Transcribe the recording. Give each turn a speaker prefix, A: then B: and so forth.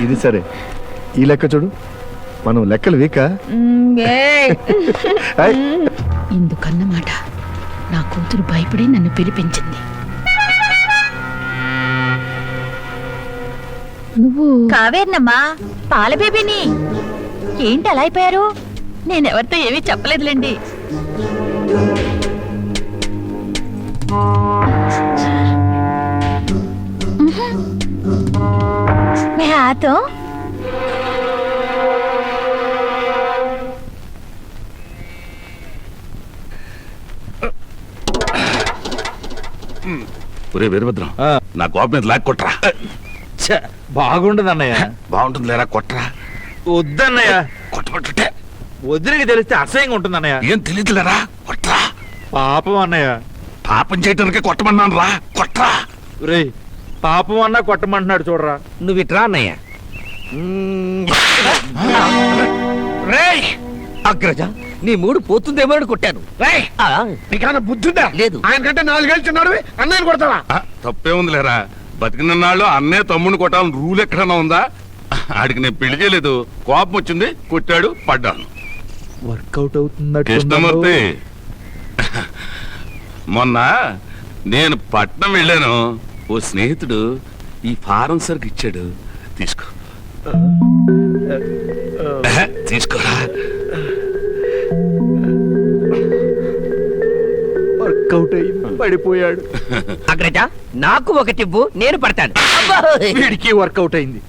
A: ఇది సరే, ఈ లెక్క చూడు, మనం లెక్కలు వీక.
B: ఇందుకన్నమాట నా కూతురు భయపడి నన్ను పిలిపించింది. నువ్వు
C: కావేర్నమ్మా, పాల బేబీని. ఏంటి అలా అయిపోయారు? నేనెవరితో ఏమీ చెప్పలేదులేండి. मैं आता हूं.
D: ఒరే వీరభద్రం, నా కోపం మీద లాక్ కొట్రా.
E: బాగుండదు అన్నయ్య.
D: బాగుంటుంది లేరా, కొట్రా.
E: వద్దన్నయ్య.
D: కొట్టబట్టుంటే
E: వదిలికి తెలిస్తే అసహ్యంగా ఉంటుంది అన్నయ్య.
D: ఏం తెలియదులేరా, కొట్రా.
E: పాపం అన్నయ్య.
D: పాపం చేయటానికి కొట్టమన్నాను రా, కొట్రా.
E: రేయ్, పాపం అన్నా కొట్టమంటున్నాడు చూడరా.
F: నువ్వు ఇట్రా అన్నయ్య.
D: రేయ్
F: అగ్రజ, నీ మూడు పోతుందేమో అని కొట్టాను.
D: రేయ్, నీకన్నా బుద్ధిందా?
F: లేదు.
D: ఆయన కంటే 4 ఏళ్ళు చిన్నాడు, అన్నయ్యని కొడతావా? తప్పే ఉంది లేరా, బతికిన నాళ్ళు అన్నయ్య తమ్ముడిని కొట్టాలని రూల్ ఎక్కడన్నా ఉందా? ఆడికి నేను పెళ్లి చేయలేదు, కోపం వచ్చింది, కొట్టాడు, పడ్డాను.
E: వర్కౌట్ అవుతుంది
D: కృష్ణమూర్తి, మొన్న నేను పట్నం వెళ్ళాను, ఓ స్నేహితుడు ఈ ఫారం సరుకు ఇచ్చాడు, తీసుకో. తీసుకోరా.
E: వర్కౌట్ అయింది, పడిపోయాడు.
F: అగ్రజ, నాకు ఒకటివ్వు, నేను పడతాను.
E: వీడికి వర్కౌట్ అయింది.